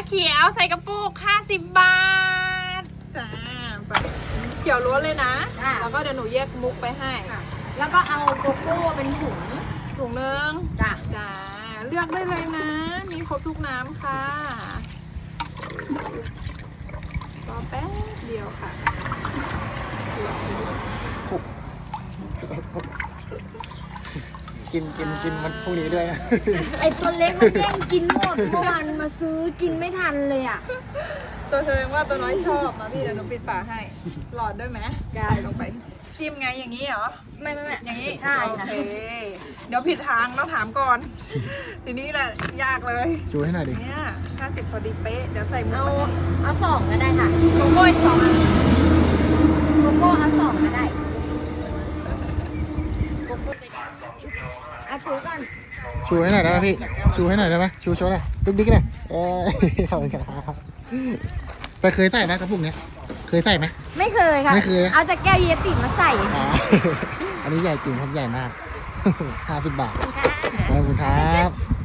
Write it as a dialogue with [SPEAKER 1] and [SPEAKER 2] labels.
[SPEAKER 1] เขียวใส่กระปุก50 บาทจ้าเขียวล้วนเลยนะ แล้วก็เดี๋ยวหนูแยกมุกไปให้
[SPEAKER 2] แล้วก็เอาโกโก้เป็นถุง
[SPEAKER 1] ถุงนึง
[SPEAKER 2] จ้ะ
[SPEAKER 1] จ้าเลือกได้เลยนะ มีครบทุกน้ำค่ะรอแป๊บเดียวค่ะ
[SPEAKER 3] กินมันพวกนี้ด้วยนะ
[SPEAKER 2] ไอตัวเล็กมันแย่งกินหมดเมื่อวานมาซื้อกินไม่ทันเลยอ่ะ
[SPEAKER 1] ตัวเธอว่าตัวน้อยชอบมาพี่เดี๋ยวหนูปิดฝาให้ หลอดด้วยไหม
[SPEAKER 2] ได้
[SPEAKER 1] ลงไป จิ้มไงอย่างนี้เหรอ
[SPEAKER 2] ไม่
[SPEAKER 1] อย่างนี้
[SPEAKER 2] ใช่
[SPEAKER 1] โอ
[SPEAKER 2] ค่ะ
[SPEAKER 1] เค เดี๋ยวผิดทางต้องถามก่อน ทีนี้แหละยากเลย
[SPEAKER 3] ชูให้หน่อยดิ
[SPEAKER 1] เนี่ย50พอดีเป๊ะ เดี๋ยวใส่หมุก
[SPEAKER 2] เอาสองก็ได้ค่ะ
[SPEAKER 1] โกโก้อีก2 อัน
[SPEAKER 2] โกโก้เอาสองก็ได้เอาถุงก่อน
[SPEAKER 3] ชูให้หน่อยได้ไหมพี่ ชูให้หน่อยได้ไหมชูโชว์หน่อยดึกดิ๊กเลยขอบคุณครับแต่เคยใส่ไหมกระปุกเนี้ยเคยใส่ไหม
[SPEAKER 2] ไม่เคยค่ะ
[SPEAKER 3] ไม่เคย
[SPEAKER 2] เอาจากแก้วเยติมาใส่
[SPEAKER 3] อ๋ออันนี้ใหญ่จริงครับใหญ่มาก 50 บาท
[SPEAKER 2] ค่ะ
[SPEAKER 3] ขอบคุณครับ